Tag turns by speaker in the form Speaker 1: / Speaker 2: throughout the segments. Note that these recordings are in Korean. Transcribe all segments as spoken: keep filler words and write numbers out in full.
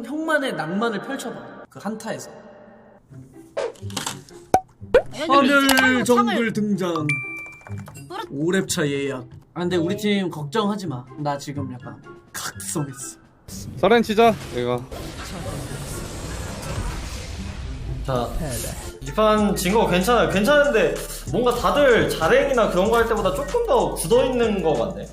Speaker 1: 형, 형만의 낭만을 펼쳐봐. 그 한타에서. 하늘 정글 등장. 오 렙차 예약. 아 근데 우리 팀 걱정하지 마. 나 지금 약간 각성했어.
Speaker 2: 서렌 치자 내가.
Speaker 3: 자, 이 판 진 거 괜찮아요. 괜찮은데 뭔가 다들 자랭이나 그런 거 할 때보다 조금 더 굳어있는 거 같네.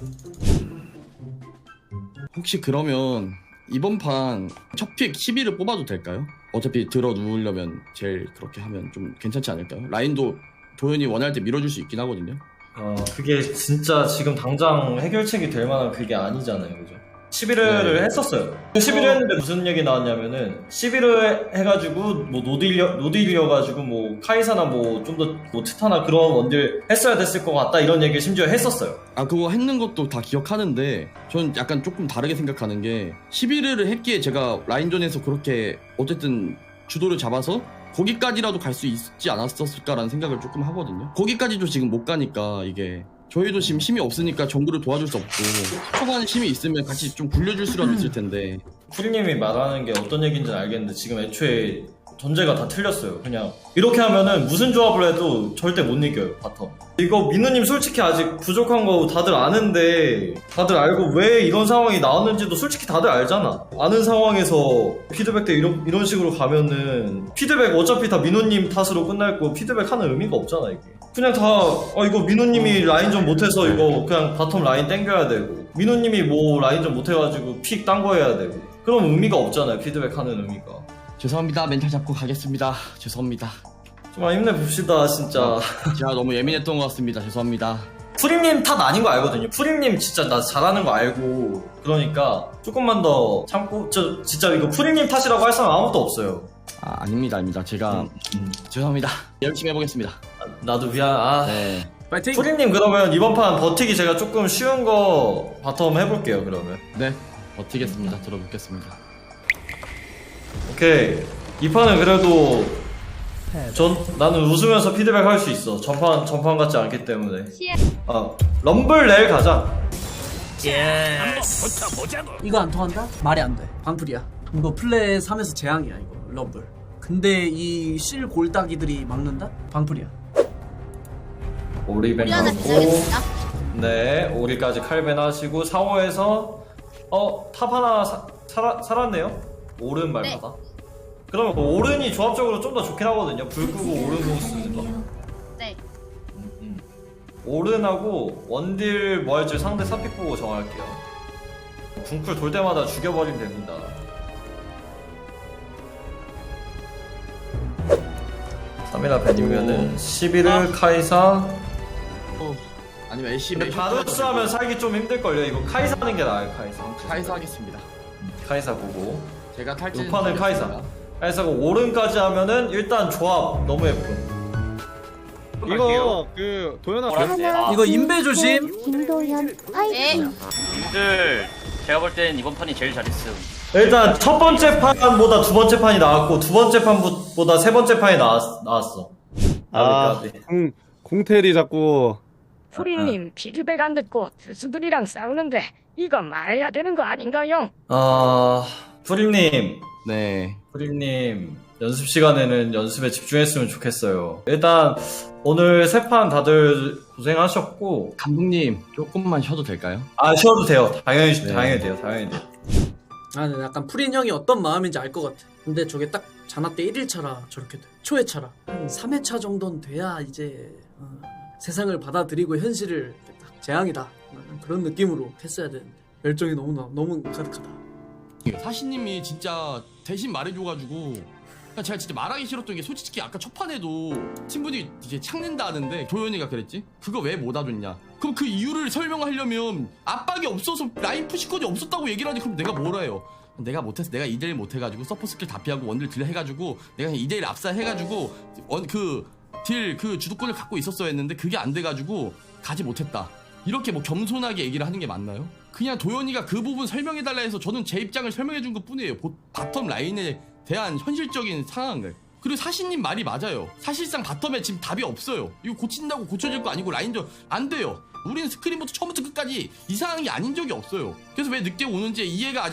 Speaker 4: 혹시 그러면 이번 판 첫 픽 십일을 뽑아도 될까요? 어차피 들어 누우려면 제일 그렇게 하면 좀 괜찮지 않을까요? 라인도 도현이 원할 때 밀어줄 수 있긴 하거든요.
Speaker 3: 어, 그게 진짜 지금 당장 해결책이 될 만한 그게 아니잖아요, 그죠? 십일 회를
Speaker 4: 네.
Speaker 3: 했었어요. 십일 회 했는데 무슨 얘기 나왔냐면은 십일 회 해가지고 뭐 노딜려 노딜려가지고 뭐 카이사나 뭐 좀 더 뭐 트타나 그런 원딜 했어야 됐을 것 같다 이런 얘기를 심지어 했었어요.
Speaker 4: 아 그거 했는 것도 다 기억하는데 전 약간 조금 다르게 생각하는 게 십일 회를 했기에 제가 라인전에서 그렇게 어쨌든 주도를 잡아서 거기까지라도 갈 수 있지 않았었을까라는 생각을 조금 하거든요. 거기까지도 지금 못 가니까 이게 저희도 지금 힘이 없으니까 정글을 도와줄 수 없고 초반에 힘이 있으면 같이 좀 굴려줄 수라도 있을 텐데.
Speaker 3: 쿠리님이 말하는 게 어떤 얘기인지는 알겠는데 지금 애초에 전제가 다 틀렸어요. 그냥 이렇게 하면은 무슨 조합을 해도 절대 못 이겨요, 바텀. 이거 민우님 솔직히 아직 부족한 거 다들 아는데 다들 알고 왜 이런 상황이 나왔는지도 솔직히 다들 알잖아. 아는 상황에서 피드백 때 이런, 이런 식으로 가면은 피드백 어차피 다 민우님 탓으로 끝날 거 피드백 하는 의미가 없잖아 이게. 그냥 다 어, 이거 민우님이 라인전 못해서 이거 그냥 바텀 라인 땡겨야 되고 민우님이 뭐 라인전 못해가지고 픽 딴 거 해야 되고 그럼 의미가 없잖아요, 피드백 하는 의미가.
Speaker 4: 죄송합니다. 멘탈 잡고 가겠습니다. 죄송합니다.
Speaker 3: 좀 힘내봅시다 진짜.
Speaker 4: 제가 너무 예민했던 것 같습니다. 죄송합니다.
Speaker 3: 푸림님 탓 아닌 거 알거든요. 푸림님 진짜 나 잘하는 거 알고 그러니까 조금만 더 참고. 저 진짜 이거 푸림님 탓이라고 할 사람 아무도 없어요.
Speaker 4: 아 아닙니다. 아닙니다. 제가
Speaker 3: 음, 음.
Speaker 4: 죄송합니다. 열심히 해보겠습니다.
Speaker 3: 아, 나도 미안. 아.
Speaker 4: 네.
Speaker 1: 파이팅!
Speaker 3: 푸림님 그러면 이번 판 버티기 제가 조금 쉬운 거 바텀 해볼게요 그러면.
Speaker 4: 네. 버티겠습니다. 들어보겠습니다.
Speaker 3: 오케이. 이 판은 그래도 전 나는 웃으면서 피드백 할 수 있어. 전판 전판 같지 않기 때문에. 아 럼블 내일 가자.
Speaker 1: 이거 안 통한다? 말이 안 돼. 방풀이야. 이거 플레이 삼에서 재앙이야 이거 럼블. 근데 이 실 골따기들이 막는다? 방풀이야.
Speaker 3: 오리벤
Speaker 5: 하나
Speaker 3: 하고
Speaker 5: 기다리겠습니다.
Speaker 3: 네 오리까지 칼벤 하시고 사 호에서 어 탑 하나 사, 살아, 살았네요. 오른 말마다. 그러면 그 오른이 조합적으로 좀 더 좋긴 하거든요. 불 끄고 오른 공 쓰는 거.
Speaker 5: 네.
Speaker 3: 음, 음. 오른하고 원딜 뭐 할지 상대 사픽 보고 정할게요. 궁풀 돌 때마다 죽여버리면 됩니다. 삼이나 벤이면은 십일을 카이사.
Speaker 4: 어, 아니면 엘씨
Speaker 3: 근데 바루스 하면 살기 좀 힘들걸요. 이거 카이사 하는 게 나아요. 카이사.
Speaker 4: 카이사 하겠습니다.
Speaker 3: 카이사 보고
Speaker 4: 제가 탈진.
Speaker 3: 이 판은 카이사. 카이사고 오른까지 하면은 일단 조합 너무 예쁨.
Speaker 2: 이거 그 도현아
Speaker 6: 아,
Speaker 1: 이거 인베 조심.
Speaker 6: 김도현 화이팅.
Speaker 5: 네.
Speaker 6: 님들 제가 볼 땐 이번 판이 제일 잘했음.
Speaker 3: 일단 첫 번째 판보다 두 번째 판이 나왔고 두 번째 판보다 세 번째 판이 나왔, 나왔어.
Speaker 2: 아,
Speaker 3: 까비, 까비.
Speaker 2: 공, 공텔이 자꾸
Speaker 7: 프리님 피드백 안 듣고 교수들이랑 싸우는데 이거 말해야 되는 거 아닌가요?
Speaker 3: 아 프림님
Speaker 4: 네.
Speaker 3: 프림님 연습 시간에는 연습에 집중했으면 좋겠어요. 일단 오늘 세 판 다들 고생하셨고
Speaker 4: 감독님 조금만 쉬어도 될까요?
Speaker 3: 아 쉬어도 돼요. 당연히
Speaker 4: 네.
Speaker 3: 당연히 돼요. 당연히 돼요.
Speaker 1: 나는 약간 프린 형이 어떤 마음인지 알 것 같아. 근데 저게 딱 자나 때 일 일 차라 저렇게 돼. 초회 차라. 한 삼 회 차 정도는 돼야 이제 어, 세상을 받아들이고 현실을 딱 재앙이다. 어, 그런 느낌으로 했어야 되는데 열정이 너무 너무 가득하다.
Speaker 4: 사시님이 진짜 대신 말해줘가지고 그냥 제가 진짜 말하기 싫었던 게 솔직히 아까 첫 판에도 팀분이 이제 창낸다 하는데 도현이가 그랬지? 그거 왜 못 와줬냐? 그럼 그 이유를 설명하려면 압박이 없어서 라인 푸시권이 없었다고 얘기를 하지. 그럼 내가 뭐라 해요? 내가 못해서 내가 이 대 일 못해가지고 서포 스킬 다 피하고 원딜 딜 해가지고 내가 그냥 이 대 일 압사해가지고 원 그 딜 그 주도권을 갖고 있었어야 했는데 그게 안 돼가지고 가지 못했다. 이렇게 뭐 겸손하게 얘기를 하는 게 맞나요? 그냥 도현이가 그 부분 설명해달라 해서 저는 제 입장을 설명해준 것 뿐이에요. 보, 바텀 라인에 대한 현실적인 상황을. 그리고 사시님 말이 맞아요. 사실상 바텀에 지금 답이 없어요. 이거 고친다고 고쳐질 거 아니고 라인전 안 돼요. 우리는 스크린부터 처음부터 끝까지 이상한 게 아닌 적이 없어요. 그래서 왜 늦게 오는지 이해가 아직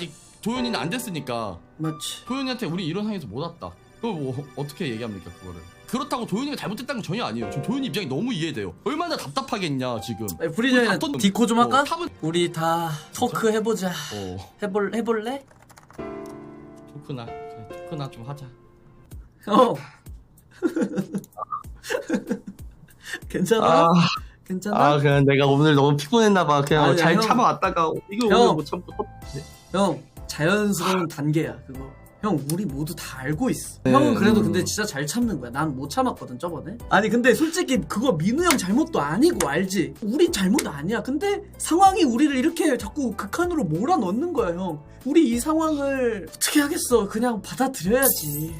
Speaker 4: 도현이는 안 됐으니까
Speaker 1: 맞지.
Speaker 4: 도현이한테 우리 이런 상황에서 못 왔다. 그거 뭐 어떻게 얘기합니까 그거를? 그렇다고 도현이가 잘못했다는 건 전혀 아니에요. 지금 도현이 입장이 너무 이해돼요. 얼마나 답답하겠냐 지금.
Speaker 1: 아니, 프리저는
Speaker 4: 다 떴-
Speaker 1: 디코 좀 할까?
Speaker 4: 어, 탑은
Speaker 1: 우리 다 토크 해보자.
Speaker 4: 어
Speaker 1: 해볼 해볼래?
Speaker 4: 토크나 그래, 토크나 좀 하자.
Speaker 1: 어. 괜찮아?
Speaker 4: 아,
Speaker 1: 괜찮아?
Speaker 4: 아 그냥 내가 오늘 너무 피곤했나봐. 그냥
Speaker 1: 아니야,
Speaker 4: 잘
Speaker 1: 형.
Speaker 4: 참아왔다가 이거
Speaker 1: 형.
Speaker 4: 오늘 못 참고.
Speaker 1: 형 자연스러운 단계야 그거. 형 우리 모두 다 알고 있어.
Speaker 4: 네,
Speaker 1: 형은 그래도
Speaker 4: 음.
Speaker 1: 근데 진짜 잘 참는 거야. 난 못 참았거든 저번에. 아니 근데 솔직히 그거 민우 형 잘못도 아니고 알지. 우리 잘못 아니야. 근데 상황이 우리를 이렇게 자꾸 극한으로 몰아넣는 거야 형. 우리 이 상황을 어떻게 하겠어. 그냥 받아들여야지.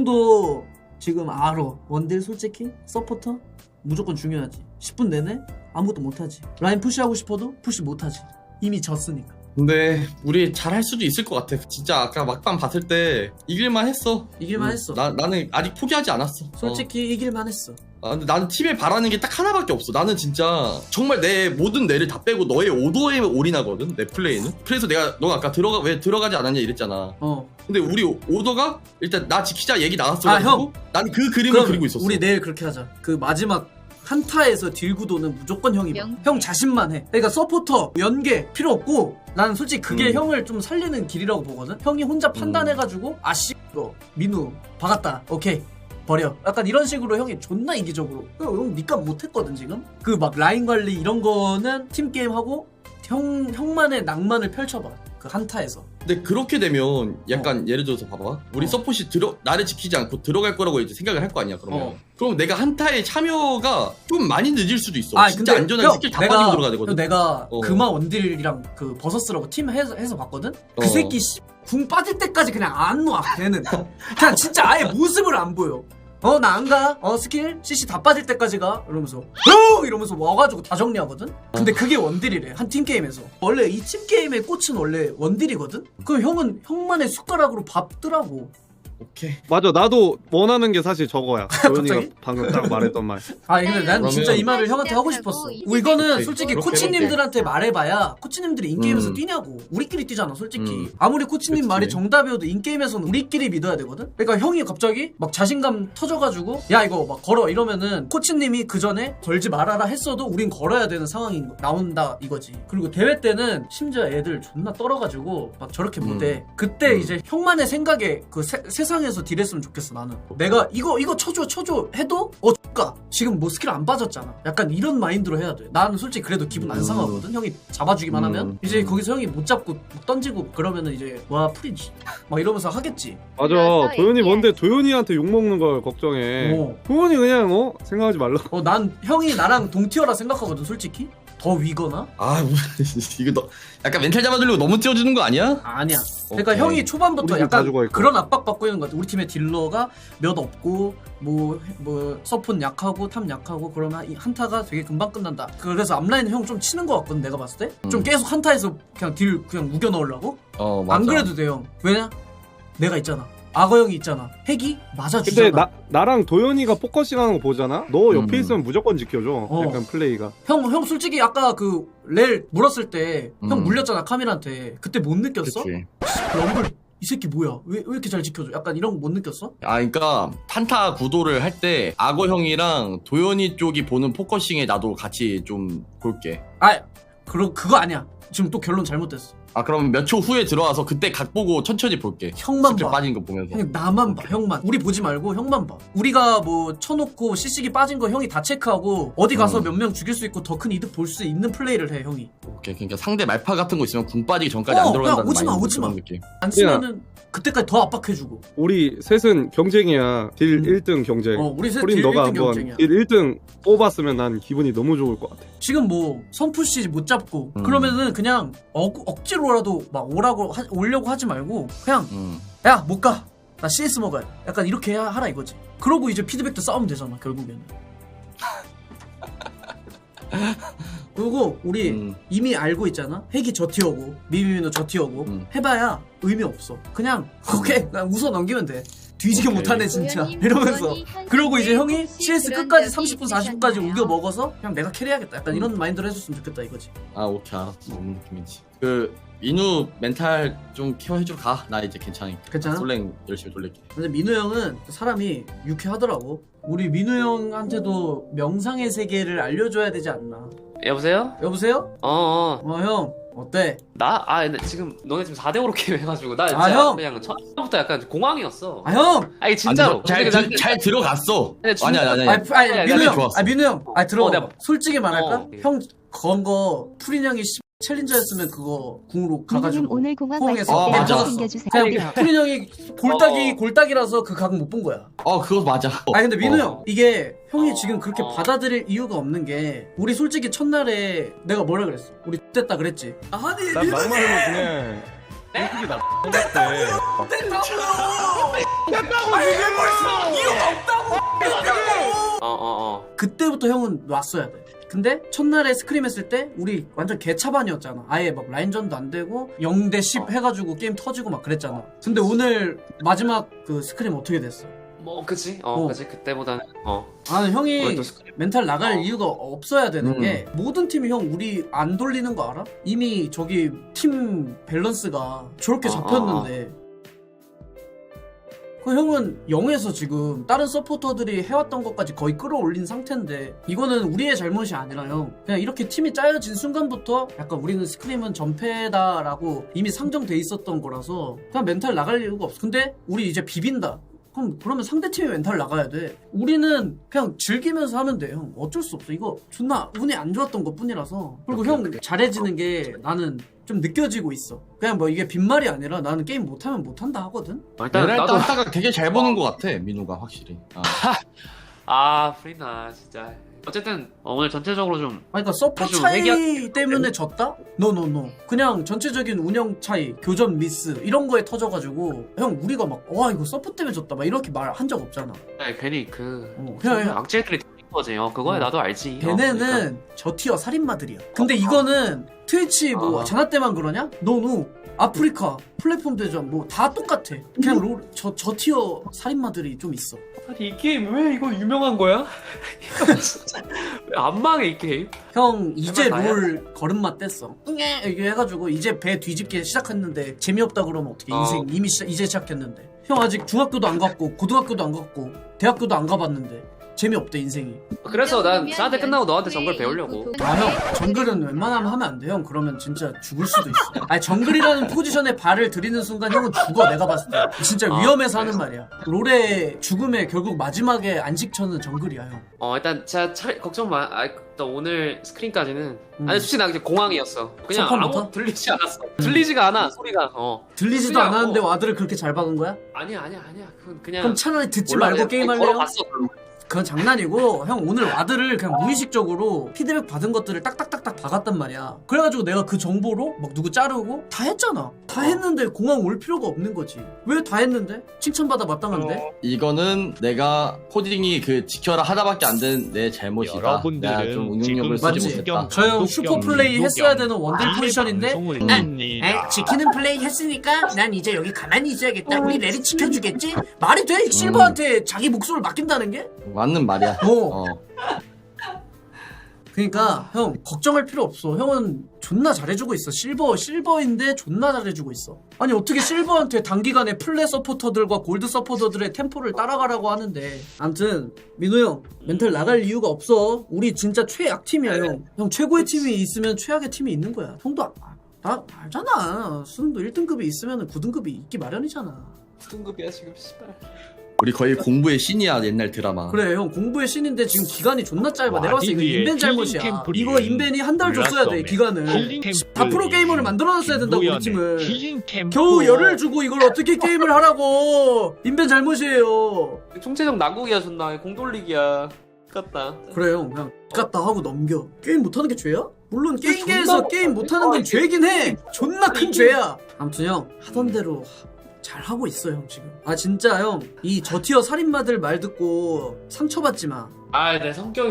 Speaker 1: 형도 지금 알아. 원딜 솔직히 서포터 무조건 중요하지. 십 분 내내 아무것도 못하지. 라인 푸시하고 싶어도 푸시 못하지. 이미 졌으니까.
Speaker 4: 근데 우리 잘할 수도 있을 것 같아. 진짜 아까 막판 봤을 때 이길만 했어.
Speaker 1: 이길만
Speaker 4: 음,
Speaker 1: 했어.
Speaker 4: 나, 나는 아직 포기하지 않았어.
Speaker 1: 솔직히 이길만 했어.
Speaker 4: 어. 아, 근데 나는 팀에 바라는 게 딱 하나밖에 없어. 나는 진짜 정말 내 모든 뇌를 다 빼고 너의 오더에 올인하거든. 내 플레이는. 그래서 내가 너가 아까 들어가 왜 들어가지 않았냐 이랬잖아.
Speaker 1: 어.
Speaker 4: 근데 우리 오더가 일단 나 지키자 얘기
Speaker 1: 아,
Speaker 4: 나왔어가지고
Speaker 1: 형.
Speaker 4: 나는 그 그림을
Speaker 1: 그럼
Speaker 4: 그리고 있었어.
Speaker 1: 우리 내일 그렇게 하자. 그 마지막 한타에서 딜구도는 무조건 형이 봐.
Speaker 5: 명-
Speaker 1: 형 자신만 해. 그러니까 서포터 연계 필요 없고 나는 솔직히 그게
Speaker 4: 음.
Speaker 1: 형을 좀 살리는 길이라고 보거든. 형이 혼자 판단해가지고 아씨 이거 민우 박았다. 오케이 버려. 약간 이런 식으로 형이 존나 이기적으로. 형, 형 니값 못했거든 지금. 그 막 라인 관리 이런 거는 팀 게임 하고 형 형만의 낭만을 펼쳐봐. 그 한타에서.
Speaker 4: 근데 그렇게 되면 약간 예를 들어서 봐봐. 우리
Speaker 1: 어.
Speaker 4: 서폿이 들어 나를 지키지 않고 들어갈 거라고 이제 생각을 할 거 아니야. 그러면
Speaker 1: 어.
Speaker 4: 그럼 내가 한타에 참여가 좀 많이 늦을 수도 있어.
Speaker 1: 아,
Speaker 4: 진짜
Speaker 1: 근데
Speaker 4: 안전하게
Speaker 1: 형,
Speaker 4: 스킬 다
Speaker 1: 내가-
Speaker 4: 빠지고 들어가야 되거든.
Speaker 1: 형, 내가
Speaker 4: 어.
Speaker 1: 금화 원딜이랑 그 버서스라고 팀 해서, 해서 봤거든? 그
Speaker 4: 어.
Speaker 1: 새끼 씨, 궁 빠질 때까지 그냥 안 놔 걔는. 그냥 진짜 아예 모습을 안 보여. 어 나 안 가. 어 스킬 씨씨 다 빠질 때까지 가. 이러면서 형 이러면서 와가지고 다 정리하거든. 근데 그게 원딜이래 한 팀 게임에서. 원래 이 팀 게임의 꽃은 원래 원딜이거든. 그럼 형은 형만의 숟가락으로 밟더라고.
Speaker 4: 오케이.
Speaker 2: 맞아, 나도 원하는 게 사실 저거야. 도현이가
Speaker 1: 갑자기?
Speaker 2: 방금 딱 말했던 말.
Speaker 1: 아 근데 난
Speaker 4: 그러면-
Speaker 1: 진짜 이 말을 형한테 하고 싶었어. 뭐 이거는
Speaker 4: 오케이,
Speaker 1: 솔직히
Speaker 4: 그렇게
Speaker 1: 코치님들한테 말해봐야 코치님들이 인게임에서
Speaker 4: 음.
Speaker 1: 뛰냐고. 우리끼리 뛰잖아 솔직히.
Speaker 4: 음.
Speaker 1: 아무리 코치님
Speaker 4: 그치.
Speaker 1: 말이 정답이어도 인게임에서는 우리끼리 믿어야 되거든. 그러니까 형이 갑자기 막 자신감 터져가지고 야 이거 막 걸어 이러면은 코치님이 그 전에 걸지 말아라 했어도 우린 걸어야 되는 상황이 나온다 이거지. 그리고 대회 때는 심지어 애들 존나 떨어가지고 막 저렇게 못해. 그때
Speaker 4: 음.
Speaker 1: 이제 형만의 생각에 그 세, 세상에서 딜했으면 좋겠어 나는. 내가 이거 이거 쳐줘 쳐줘 해도 어 X가 지금 뭐 스킬 안 빠졌잖아. 약간 이런 마인드로 해야 돼. 나는 솔직히 그래도 기분 안
Speaker 4: 음.
Speaker 1: 상하거든. 형이 잡아주기만
Speaker 4: 음.
Speaker 1: 하면 이제
Speaker 4: 음.
Speaker 1: 거기서 형이 못 잡고 막 던지고 그러면은 이제 와 프리지 막 이러면서 하겠지.
Speaker 2: 맞아, 도현이 뭔데 도현이한테 욕먹는 걸 걱정해.
Speaker 1: 어.
Speaker 2: 도현이 그냥 어? 생각하지 말라.
Speaker 1: 어 난 형이 나랑 동티어라 생각하거든 솔직히. 더 위거나?
Speaker 4: 아 이거 너 약간 멘탈 잡아주려고 너무 띄워주는 거 아니야?
Speaker 1: 아니야. 그러니까
Speaker 4: 오케이.
Speaker 1: 형이 초반부터
Speaker 2: 우리 팀다
Speaker 1: 약간
Speaker 2: 죽어 있고.
Speaker 1: 그런 압박 받고 있는 것 같아. 우리 팀의 딜러가 몇 없고 뭐 뭐 서폿 약하고 탑 약하고 그러면 이 한타가 되게 금방 끝난다. 그래서 앞라인 형 좀 치는 것 같거든 내가 봤을 때. 좀
Speaker 4: 음.
Speaker 1: 계속 한타에서 그냥 딜 그냥 우겨 넣으려고.
Speaker 4: 어 맞아.
Speaker 1: 안 그래도 돼 형. 왜냐? 내가 있잖아. 악어 형이 있잖아. 핵이 맞아주잖아.
Speaker 2: 근데 나, 나랑 도현이가 포커싱 하는 거 보잖아? 너 옆에
Speaker 4: 음.
Speaker 2: 있으면 무조건 지켜줘.
Speaker 1: 어.
Speaker 2: 약간 플레이가.
Speaker 1: 형, 형 솔직히 아까 그 렐 물었을 때 형
Speaker 4: 음.
Speaker 1: 물렸잖아 카밀한테. 그때 못 느꼈어?
Speaker 4: 그치.
Speaker 1: 럼블 이 새끼 뭐야? 왜, 왜 이렇게 잘 지켜줘? 약간 이런 거 못 느꼈어?
Speaker 4: 아, 그러니까 탄타 구도를 할 때 악어 형이랑 도현이 쪽이 보는 포커싱에 나도 같이 좀 볼게.
Speaker 1: 아, 그러, 그거 아니야. 지금 또 결론 잘못됐어.
Speaker 4: 아, 그럼 몇 초 후에 들어와서 그때 각 보고 천천히 볼게.
Speaker 1: 형만
Speaker 4: 스킬
Speaker 1: 봐.
Speaker 4: 빠진 거 보면서.
Speaker 1: 형 나만 봐, 형만. 우리 보지 말고 형만 봐. 우리가 뭐 쳐놓고 씨씨기 빠진 거 형이 다 체크하고 어디 가서
Speaker 4: 음.
Speaker 1: 몇 명 죽일 수 있고 더 큰 이득 볼 수 있는 플레이를 해 형이.
Speaker 4: 오케이. 그러니까 상대 말파 같은 거 있으면 궁 빠지기 전까지
Speaker 1: 어,
Speaker 4: 안 들어간다는
Speaker 1: 야, 오지 마,
Speaker 4: 마인드
Speaker 1: 오지 마.
Speaker 4: 그런 느낌.
Speaker 1: 안 쓰면은 그때까지 더 압박해주고.
Speaker 2: 우리 셋은 경쟁이야. 딜
Speaker 1: 음.
Speaker 2: 일 등 경쟁.
Speaker 1: 어, 우리 셋
Speaker 2: 프린
Speaker 1: 딜
Speaker 2: 너가
Speaker 1: 일 등
Speaker 2: 한번
Speaker 1: 경쟁이야.
Speaker 2: 딜 일 등 뽑았으면 난 기분이 너무 좋을 것 같아.
Speaker 1: 지금 뭐 선푸시 못 잡고
Speaker 4: 음.
Speaker 1: 그러면은 그냥 억, 억지로라도 막 오라고 하, 오려고 하지 말고 그냥
Speaker 4: 음.
Speaker 1: 야 못 가. 나 씨에스 먹어야 돼. 약간 이렇게 해야 하라 이거지. 그러고 이제 피드백도 싸우면 되잖아 결국에는. 그리고 우리
Speaker 4: 음.
Speaker 1: 이미 알고 있잖아. 핵이 저 티어고 미미미는 저 티어고
Speaker 4: 음.
Speaker 1: 해봐야 의미 없어. 그냥 오케이 그냥 웃어 넘기면 돼. 뒤지게
Speaker 4: 오케이.
Speaker 1: 못하네 진짜 이러면서 그러고 이제 형이 씨에스 끝까지 삼십 분 사십 분까지 우겨 먹어서 그냥 내가 캐리하겠다 약간 이런 마인드로 해줬으면 좋겠다 이거지.
Speaker 4: 아 오케이 알았어. 무슨 느낌인지. 그 민우 멘탈 좀 케어해주러 가. 나 이제 괜찮으니까.
Speaker 1: 괜찮아?
Speaker 4: 솔랭 열심히 돌릴게.
Speaker 1: 근데 민우 형은 사람이 유쾌하더라고. 우리 민우 형한테도 명상의 세계를 알려줘야 되지 않나.
Speaker 5: 여보세요?
Speaker 1: 여보세요?
Speaker 5: 어어
Speaker 1: 어 형 어때?
Speaker 5: 나? 아 근데 지금 너네 지금 사 대 오로 게임 해가지고 나 진짜
Speaker 1: 아, 형!
Speaker 5: 그냥 처음부터 약간 공황이었어.
Speaker 1: 아 형!
Speaker 5: 아니 진짜로
Speaker 4: 잘,
Speaker 5: 근데
Speaker 4: 잘,
Speaker 5: 난-
Speaker 4: 잘 들어갔어.
Speaker 5: 근데 진짜-
Speaker 4: 아니 아니 아니.
Speaker 1: 아니, 아니,
Speaker 5: 아니,
Speaker 1: 민우
Speaker 5: 아니,
Speaker 1: 형,
Speaker 4: 좋았어.
Speaker 1: 아 민우 형, 아 들어.
Speaker 5: 어, 내가-
Speaker 1: 솔직히 말할까?
Speaker 5: 어.
Speaker 1: 형 건 거 프린 형이 씨- 챌린저였으면 그거 궁으로
Speaker 8: 민우님
Speaker 1: 가가지고
Speaker 8: 오늘 공항
Speaker 1: 포항에서
Speaker 8: 왔을
Speaker 4: 아,
Speaker 8: 때
Speaker 4: 맞아.
Speaker 8: 한번 챙겨주세요.
Speaker 1: 그냥 프린 형이 골딱이
Speaker 5: 어.
Speaker 1: 골딱이라서 그 각 못 본 거야.
Speaker 4: 어 그거 맞아.
Speaker 1: 아니 근데 민우
Speaker 4: 어.
Speaker 1: 형 이게 형이
Speaker 5: 어.
Speaker 1: 지금 그렇게
Speaker 5: 어.
Speaker 1: 받아들일 이유가 없는 게 우리 솔직히 첫날에 내가 뭐라 그랬어? 우리 됐다 그랬지. 아니
Speaker 2: 난 막말로 그냥 솔직히 나 X됐대.
Speaker 5: 어어어
Speaker 1: 그때부터 형은 놨어야 돼. 근데 첫날에 스크림 했을 때 우리 완전 개차반이었잖아. 아예 막 라인전도 안 되고 영 대 십
Speaker 5: 어.
Speaker 1: 해가지고 게임 터지고 막 그랬잖아. 근데 오늘 마지막 그 스크림 어떻게 됐어?
Speaker 5: 뭐 그치 어,
Speaker 1: 어.
Speaker 5: 그치 그때보다는 어
Speaker 1: 아 형이
Speaker 5: 오늘 또 스크림.
Speaker 1: 멘탈 나갈
Speaker 5: 어.
Speaker 1: 이유가 없어야 되는
Speaker 4: 음.
Speaker 1: 게 모든 팀이 형 우리 안 돌리는 거 알아? 이미 저기 팀 밸런스가 저렇게
Speaker 5: 어,
Speaker 1: 잡혔는데 그 형은 영에서 지금 다른 서포터들이 해왔던 것까지 거의 끌어올린 상태인데 이거는 우리의 잘못이 아니라 형 그냥 이렇게 팀이 짜여진 순간부터 약간 우리는 스크림은 전패다라고 이미 상정돼 있었던 거라서 그냥 멘탈 나갈 이유가 없어. 근데 우리 이제 비빈다. 그럼 그러면 상대팀이 멘탈 나가야 돼. 우리는 그냥 즐기면서 하면 돼 형. 어쩔 수 없어. 이거 존나 운이 안 좋았던 것 뿐이라서. 그리고 형 잘해지는 게 나는 좀 느껴지고 있어. 그냥 뭐 이게 빈말이 아니라 나는 게임 못하면 못한다 하거든.
Speaker 5: 어, 일단
Speaker 4: 얘네
Speaker 5: 나도
Speaker 4: 따다가 되게 잘 보는 것 같아 민우가 확실히. 아.
Speaker 5: 아 프리나 진짜 어쨌든 어, 오늘 전체적으로 좀
Speaker 1: 아니 그러니까 서포
Speaker 5: 사실
Speaker 1: 차이
Speaker 5: 회귀한-
Speaker 1: 때문에 졌다? 노노노 그냥 전체적인 운영 차이, 교전 미스 이런 거에 터져가지고 형 우리가 막 와 이거 서포 때문에 졌다 막 이렇게 말 한 적 없잖아.
Speaker 5: 아니, 괜히 그
Speaker 1: 어, 그냥 형
Speaker 5: 악질들이 들린 거지 어 그거야
Speaker 1: 어.
Speaker 5: 나도 알지 어,
Speaker 1: 걔네는
Speaker 5: 그러니까.
Speaker 1: 저 티어 살인마들이야. 근데 이거는 트위치 뭐
Speaker 5: 어.
Speaker 1: 자나 때만 그러냐? 노노 아프리카 플랫폼 대전 뭐 다 똑같아. 그냥 롤, 저, 저 티어 살인마들이 좀 있어.
Speaker 5: 아니 이 게임 왜 이거 유명한 거야? 이거 진짜 왜 안 망해 이 게임?
Speaker 1: 형 이제
Speaker 5: 제발 나야?
Speaker 1: 롤 걸음마 뗐어. 응애 이게 해가지고 이제 배 뒤집기 시작했는데 재미없다 그러면 어떻게?
Speaker 5: 어.
Speaker 1: 인생 이미 시작, 이제 시작했는데. 형 아직 중학교도 안 갔고 고등학교도 안 갔고 대학교도 안 가봤는데 재미없대 인생이.
Speaker 5: 그래서 난 사대 끝나고 너한테 정글 배우려고.
Speaker 1: 아 형 정글은 웬만하면 하면 안 돼. 형 그러면 진짜 죽을 수도 있어. 아니 정글이라는 포지션에 발을 들이는 순간 형은 죽어. 내가 봤을 때 진짜
Speaker 5: 아,
Speaker 1: 위험해서
Speaker 5: 그래서?
Speaker 1: 하는 말이야. 롤의 죽음의 결국 마지막에 안식처는 정글이야 형.
Speaker 5: 어 일단 진짜 차, 걱정 마. 아, 또 오늘 스크린까지는
Speaker 1: 음.
Speaker 5: 아니 솔직히 나 그냥 공황이었어. 그냥
Speaker 1: 첫판부터?
Speaker 5: 아무 들리지 않았어. 들리지가 않아 소리가. 어
Speaker 1: 들리지도
Speaker 5: 그냥
Speaker 1: 않았는데
Speaker 5: 뭐-
Speaker 1: 와드를 그렇게 잘 박은 거야?
Speaker 5: 아니야 아니야 아니야. 그건 그냥.
Speaker 1: 그럼 차라리 듣지
Speaker 5: 몰라,
Speaker 1: 말고
Speaker 5: 그냥
Speaker 1: 게임할래요?
Speaker 5: 걸어봤어, 별로.
Speaker 1: 그건 장난이고 형 오늘 와드를 그냥 무의식적으로 피드백 받은 것들을 딱딱딱딱 박았단 말이야. 그래가지고 내가 그 정보로 막 누구 자르고 다 했잖아. 다 했는데 공항 올 필요가 없는 거지. 왜 다 했는데? 칭찬받아 마땅한데?
Speaker 4: 이거는 내가 코딩이 그 지켜라 하나밖에 안 된 내 잘못이다.
Speaker 9: 여러분들은
Speaker 4: 내가 좀 응용력을
Speaker 9: 지금
Speaker 4: 쓰지
Speaker 1: 맞지?
Speaker 4: 못했다.
Speaker 1: 저 형 슈퍼 플레이 했어야 되는 원딜 포지션인데
Speaker 9: 에,
Speaker 1: 에 지키는 플레이 했으니까 난 이제 여기 가만히 있어야겠다. 우리 레리 지켜주겠지? 말이 돼? 실버한테 자기 목숨을 맡긴다는 게?
Speaker 4: 맞는 말이야.
Speaker 1: 어.
Speaker 4: 어.
Speaker 1: 그러니까 형 걱정할 필요 없어. 형은 존나 잘해주고 있어. 실버 실버인데 존나 잘해주고 있어. 아니 어떻게 실버한테 단기간에 플레 서포터들과 골드 서포터들의 템포를 따라가라고 하는데. 암튼 민호 형 멘탈 나갈 이유가 없어. 우리 진짜 최악 팀이야 형. 형 최고의 팀이 있으면 최악의 팀이 있는 거야. 형도 아, 나 알잖아. 수능도 일 등급이 있으면 구 등급이 있기 마련이잖아.
Speaker 5: 등급이야 지금 씨발.
Speaker 4: 우리 거의 공부의 신이야 옛날 드라마.
Speaker 1: 그래 형 공부의 신인데 지금 기간이 존나 짧아. 내가 봤을 때 이거
Speaker 9: 와디드의
Speaker 1: 인벤 잘못이야.
Speaker 9: 힐링 템플이
Speaker 1: 이거 인벤이 한 달 줬어야 돼 기간을.
Speaker 9: 힐링
Speaker 1: 다 프로 게이머를 만들어놨어야 된다고 우리
Speaker 9: 김도연의
Speaker 1: 팀을.
Speaker 9: 힐링 템플.
Speaker 1: 겨우 열을 주고 이걸 어떻게 게임을 하라고. 인벤 잘못이에요.
Speaker 5: 총체적 난국이야 존나 공 돌리기야. 같다.
Speaker 1: 그래 형 그냥 갔다 하고 넘겨. 게임 못하는 게 죄야? 물론
Speaker 5: 존나
Speaker 1: 게임계에서
Speaker 5: 못-
Speaker 1: 게임 못하는 건
Speaker 5: 아,
Speaker 1: 죄긴 해. 존나 큰
Speaker 5: 이게-
Speaker 1: 죄야. 아무튼 형 하던 대로 잘 하고 있어 형 지금. 아 진짜 형 이 저티어 살인마들 말 듣고 상처받지 마.
Speaker 5: 아 내 성격이 좀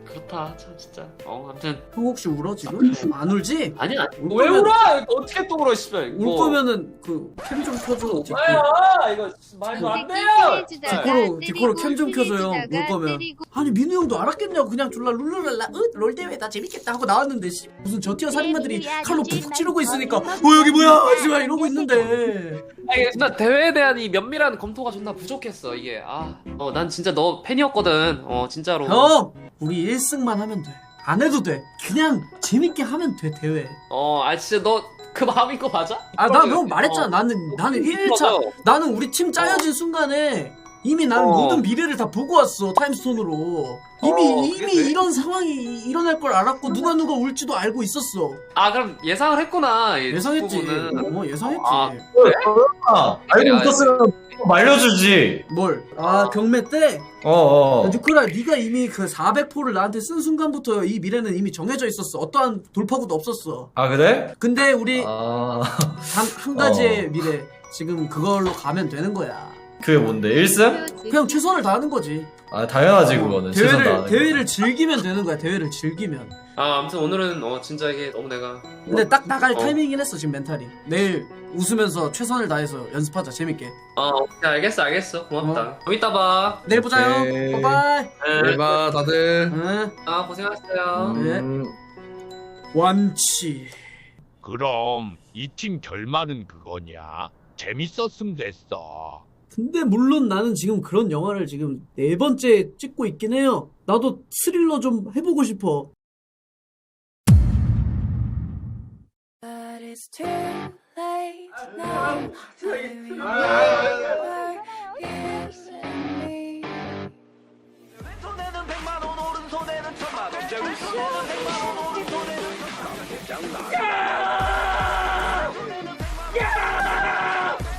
Speaker 5: 그렇다 참 진짜. 어 아무튼
Speaker 1: 형 혹시 울어 지금? 안 울지?
Speaker 5: 아니 아니.
Speaker 1: 울
Speaker 5: 왜
Speaker 1: 거면-
Speaker 5: 울어? 어떻게 또 울어 씨발.
Speaker 1: 울 거면은 그 캠 좀 켜줘. 디코.
Speaker 5: 뭐야 이거 말도 안 돼요.
Speaker 1: 디코로 디코로 캠 좀 켜줘요. 울 거면. 아니 민우 형도 알았겠냐고 그냥 졸라 룰루랄라 으롤 대회다 재밌겠다 하고 나왔는데 씨, 무슨 저티어 살인마들이 칼로 푹 찌르고 있으니까 어 여기 뭐야 씨발 이러고 있는데.
Speaker 5: 아니 나 대회에 대한 이 면밀한 검토가 존나 부족했어 이게. 아어난 진짜 너 팬이었거든. 어 진짜로.
Speaker 1: 형 우리 일 승만 하면 돼. 안 해도 돼. 그냥 재밌게 하면 돼 대회.
Speaker 5: 어아 진짜 너 그 마음인 거 맞아?
Speaker 1: 아 나 형 말했잖아.
Speaker 5: 어.
Speaker 1: 나는 나는 일 차
Speaker 5: 맞아.
Speaker 1: 나는 우리 팀 짜여진 순간에 이미 나는
Speaker 5: 어.
Speaker 1: 모든 미래를 다 보고 왔어 타임스톤으로. 이미
Speaker 5: 어,
Speaker 1: 이미
Speaker 5: 그래?
Speaker 1: 이런 상황이 일어날 걸 알았고 누가 누가 울지도 알고 있었어.
Speaker 5: 아 그럼 예상을 했구나. 이
Speaker 1: 예상했지.
Speaker 5: 부분은.
Speaker 1: 어 예상했지.
Speaker 5: 아.
Speaker 3: 아, 알고 있었으면 말려주지.
Speaker 1: 뭘? 아 경매 때?
Speaker 3: 어어.
Speaker 1: 뉴크라 네가 이미 그 사백 포를 나한테 쓴 순간부터 이 미래는 이미 정해져 있었어. 어떠한 돌파구도 없었어.
Speaker 3: 아 그래?
Speaker 1: 근데 우리
Speaker 3: 아
Speaker 1: 한, 한 가지의 미래 지금 그걸로 가면 되는 거야.
Speaker 3: 그게 뭔데? 일 승?
Speaker 1: 그냥 최선을 다하는 거지.
Speaker 3: 아 당연하지 그거는. 최선
Speaker 1: 대회를
Speaker 3: 다하는
Speaker 1: 대회를 즐기면 되는 거야. 대회를 즐기면.
Speaker 5: 아 아무튼 오늘은 어 진짜 이게 너무 내가
Speaker 1: 근데 딱 나갈
Speaker 5: 어.
Speaker 1: 타이밍이긴 했어 지금 멘탈이. 내일 웃으면서 최선을 다해서 연습하자 재밌게.
Speaker 5: 어 오케이, 알겠어 알겠어 고맙다. 좀 이따 봐.
Speaker 1: 내일 보자요.
Speaker 3: 오케이.
Speaker 1: 바이바이.
Speaker 5: 네.
Speaker 2: 봐 다들.
Speaker 1: 응.
Speaker 5: 아 고생하셨어요.
Speaker 1: 네.
Speaker 3: 음.
Speaker 1: 완치.
Speaker 8: 그럼 이 팀 결말은 그거냐? 재밌었음 됐어.
Speaker 1: 근데 물론 나는 지금 그런 영화를 지금 네 번째 찍고 있긴 해요. 나도 스릴러 좀 해보고 싶어.
Speaker 9: But it's too late now. To remember years and me.
Speaker 10: 왼손에는 백만 원, 오른손에는 천만 원. 제 왼손에는 백만 원, 오른손에는 천만 원. 야! 야!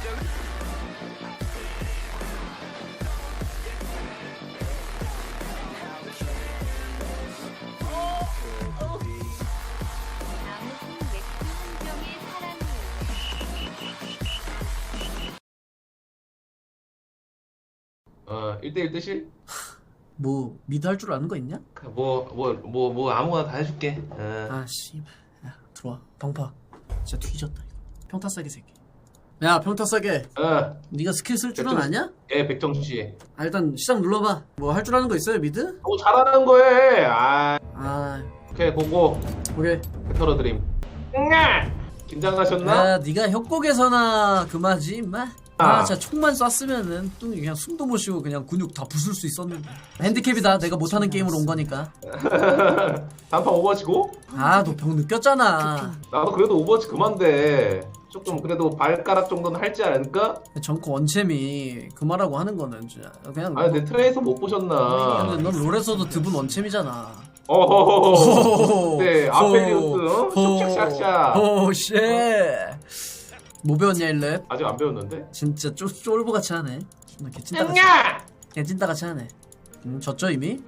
Speaker 11: 어 일 대일 뜨실?
Speaker 1: 뭐 미드 할 줄 아는 거 있냐?
Speaker 11: 뭐 뭐 뭐 뭐 아무거나 다 해줄게. 어.
Speaker 1: 아 씨발. 야 들어와. 방파. 진짜 뒤졌다 이거. 평타 싸게 새끼. 야 평타 싸게.
Speaker 11: 어.
Speaker 1: 네가 스킬 쓸 줄은
Speaker 11: 백정-
Speaker 1: 아냐?
Speaker 11: 예 백정수 씨.
Speaker 1: 아 일단 시작 눌러봐. 뭐 할 줄 아는 거 있어요 미드?
Speaker 11: 뭐 잘하는 거에. 아
Speaker 1: 아
Speaker 11: 오케이 고고
Speaker 1: 오케이.
Speaker 11: 털어드림. 응아! 긴장하셨나?
Speaker 1: 야 네가 협곡에서나 그마지 임마. 아 진짜 총만 쐈으면은 또 그냥 숨도 못 쉬고 그냥 근육 다 부술 수 있었는데. 핸디캡이다. 내가 못하는 게임으로 온 거니까.
Speaker 11: 단판 오버워치고?
Speaker 1: 아 너 병 느꼈잖아.
Speaker 11: 나도 그래도 오버워치 그만데 조금 그래도 발가락 정도는 할지 않을까?
Speaker 1: 정코 원챔이 그 말하고 하는 거는 진짜 그냥.
Speaker 11: 아니 내 트레이서 못 보셨나?
Speaker 1: 근데 넌 롤에서도 드분 원챔이잖아.
Speaker 11: 어허허허. 네 아펠리우스 어? 슉슉샥샥.
Speaker 1: 오 쉣. 뭐 배웠냐 일렙?
Speaker 11: 아직 안 배웠는데?
Speaker 1: 진짜 쫄, 쫄보같이 하네. 존나 개찐따같이.
Speaker 11: 응아!
Speaker 1: 개찐따같이 하네. 음, 졌죠 이미?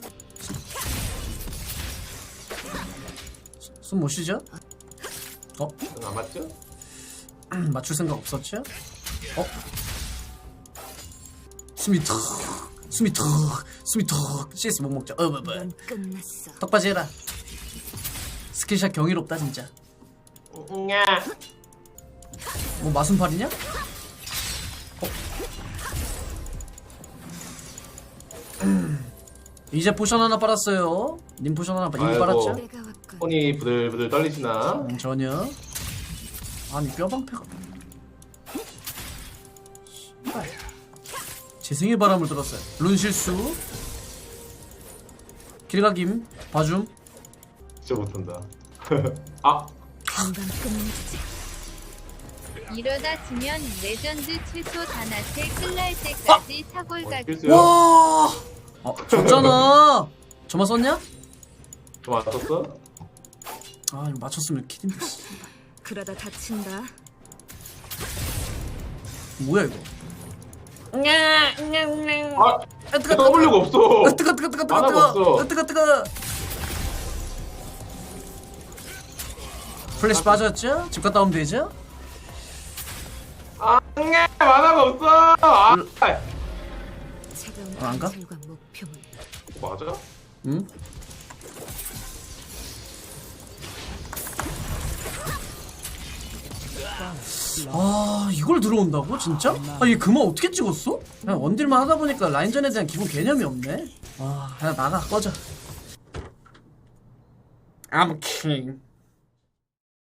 Speaker 1: 숨 못 쉬죠? 어?
Speaker 11: 응, 안 맞죠?
Speaker 1: 맞출 생각 없었죠? 어? 숨이 턱 숨이 턱 숨이 턱 씨에스 못 먹죠? 어 뭐, 뭐.
Speaker 9: 끝났어.
Speaker 1: 턱받이 해라. 스킬샷 경이롭다 진짜.
Speaker 11: 응아!
Speaker 1: 뭐 마순팔이냐? 어? 이제 포션 하나 빨았어요. 님 포션 하나 이미
Speaker 11: 아이고.
Speaker 1: 빨았죠?
Speaker 9: 내가 왔군.
Speaker 11: 손이 부들부들 떨리시나?
Speaker 1: 음, 전혀. 아니 뼈방패가 씨발. 재생의 바람을 들었어요. 룬 실수. 길가김 봐줌.
Speaker 11: 진짜 못한다. 아!
Speaker 9: 금방 끝내주자.
Speaker 12: 이러다 지면 레전드 최소 단한테 끝날 때까지 사골 가기.
Speaker 11: 필수요?
Speaker 1: 와. 어, 졌잖아. 저만 썼냐?
Speaker 11: 좀 맞췄어?
Speaker 1: 아 이거 맞췄으면 키딘데.
Speaker 9: 그러다 다친다.
Speaker 1: 뭐야 이거?
Speaker 11: 아! W가 없어!
Speaker 1: 아, 뜨거 뜨거 뜨거 뜨거
Speaker 11: 만화가
Speaker 1: 뜨거
Speaker 11: 없어.
Speaker 1: 뜨거 뜨거. 플래시 빠졌죠? 집 갔다 오면 되죠?
Speaker 11: 아! 응아! 만화가 없어! 아!
Speaker 9: 차가운
Speaker 1: 어, 안 가?
Speaker 9: 관찰과 목표물.
Speaker 11: 맞아?
Speaker 1: 응? 아 이걸 들어온다고 진짜? 아 얘 그만 어떻게 찍었어? 그냥 원딜만 하다 보니까 라인전에 대한 기본 개념이 없네. 아 그냥 나가 꺼져. I'm king.